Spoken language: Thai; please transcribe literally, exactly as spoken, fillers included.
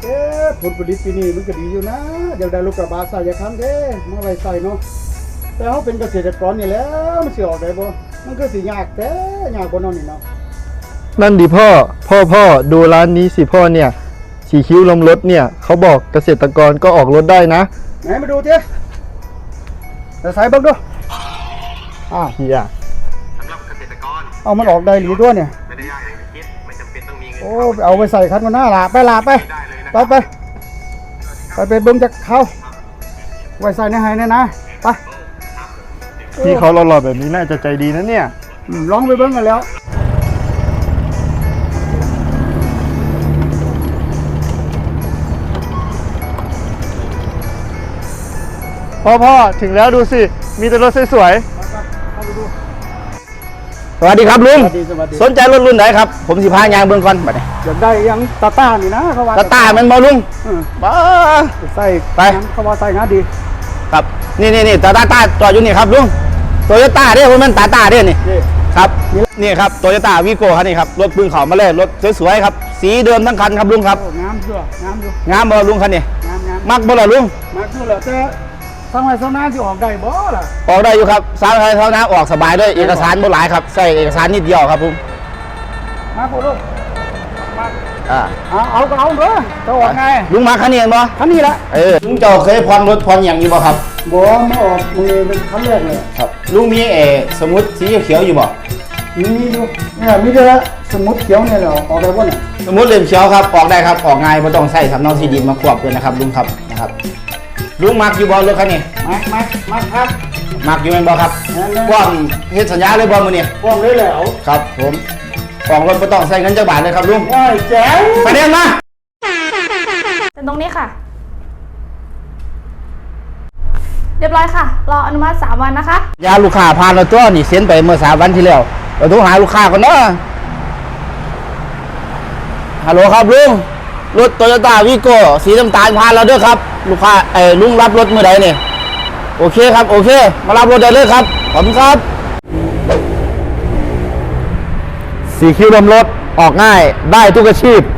เอ๊ะผลผลิตปีนี้มันก็ดีอยู่นะเดี๋ยวได้ลูกกระบะใส่ยาคันเด้มาไว้ใส่เนาะแต่เขาเป็นเกษตรกรนี่แล้วมันสิออกได้บ่มันก็สิยากแต่ยากบ่นอนนี่เนาะนั่นดิพ่อพ่อพ่อดูร้านนี้สิพ่อเนี่ยสีคิ้วลมรถเนี่ยเขาบอกเกษตรกรก็ออกรถได้นะไหนมาดูเถอะแต่ใส่เบิ่งดูอ้าวเฮียสำหรับเกษตรกรเอามันออกได้หรือด้วยเนี่ยไม่ได้ยากอย่างที่คิดไม่จำเป็นต้องมีเงินโอ้เอาไปใส่คันมันหน้าละไปละไปไปไปไปไปเบิ่งจากเขาไว้ใส่ในไห้เนี่ยนะไปพี่เขาหล่อๆแบบนี้น่าจะใจดีนะเนี่ยลองไปเบิ่งกันแล้วพ่อพ่อถึงแล้วดูสิมีแต่รถสวยสวัสดีครับลุงสนใจรถรุ่นไหนครับผมสิพายางเบื้องก่อนบัดนี้อยากได้ยังตาต้านี่นะเขาว่าตาต้ามันบ่ลุงบ้าใส่ไปเขาว่าใส่งาดีครับนี่นี่นี่ตาต้าต้าจอดอยู่นี่ครับลุงโตโยต้าเด้ผมมันตาต้าเด้นี่ครับนี่ครับโตโยต้าวีโก้ครับนี่ครับรถปืนเขามาเลยรถสวยๆครับสีเดิมทั้งคันครับลุงครับงามเชื่องามอยู่งามบ่ลุงคันนี้งามงามมักบ่ล่ะลุงมักอยู่แหละแต่ทางไหนทางนั้นที่ออกได้บ่ล่ะออกได้อยู่ครับสาธารณะเท่านั้นออกสบายด้วยเอกสารบ่หลายครับใส่เอกสารนิดเดียวครับผมมาโคลูกมาอ่าเอาเอาก็เอาเด้อจะออกไงลุงมาคันนี้บ่คันนี้ละเออลุงเจ้าเคยผ่อนรถผ่อนอย่างนี้บ่ครับบ่ไม่ออกมือเป็นคันแรกเลยครับลุงมีเอสมุดสีเขียวอยู่บ่มีอยู่เนี่ยมีแต่สมุดเขียวเนี่ยแหละออกได้บ่เนี่ยสมุดเล่มเขียวครับออกได้ครับออกง่ายไม่ต้องใส่สำเนาที่ดินมาควบเลยนะครับลุงครับนะครับลุงมักอยู่บอลรถคันนี้มักมักมักครับมักอยู่เป็นบอครับว่างเฮ็ดสัญญาเลยบอลมือนี่ว่างเลยแล้วครับผมออกรถไม่ต้องใส่เงินจักบาทเลยครับลุงว้ายแจ๋วไปเดินมาเป็นตรงนี้ค่ะเรียบร้อยค่ะรออนุมัติสามวันนะคะยาลูกค้าผ่านเราตัวนี่เซ็นไปเมื่อสามวันที่แล้วเราโทรหาลูกค้าก่อนเนาะฮัลโหลครับลุงรถโตโยต้าวีโก้สีน้ำตาลผ่านเราด้วยครับลูกค้าไอ้ลุงรับรถเมื่อใดเนี่ยโอเคครับโอเคมารับรถได้เลยครับขอบคุณครับสีคิ้วลมรถออกง่ายได้ทุกอาชีพ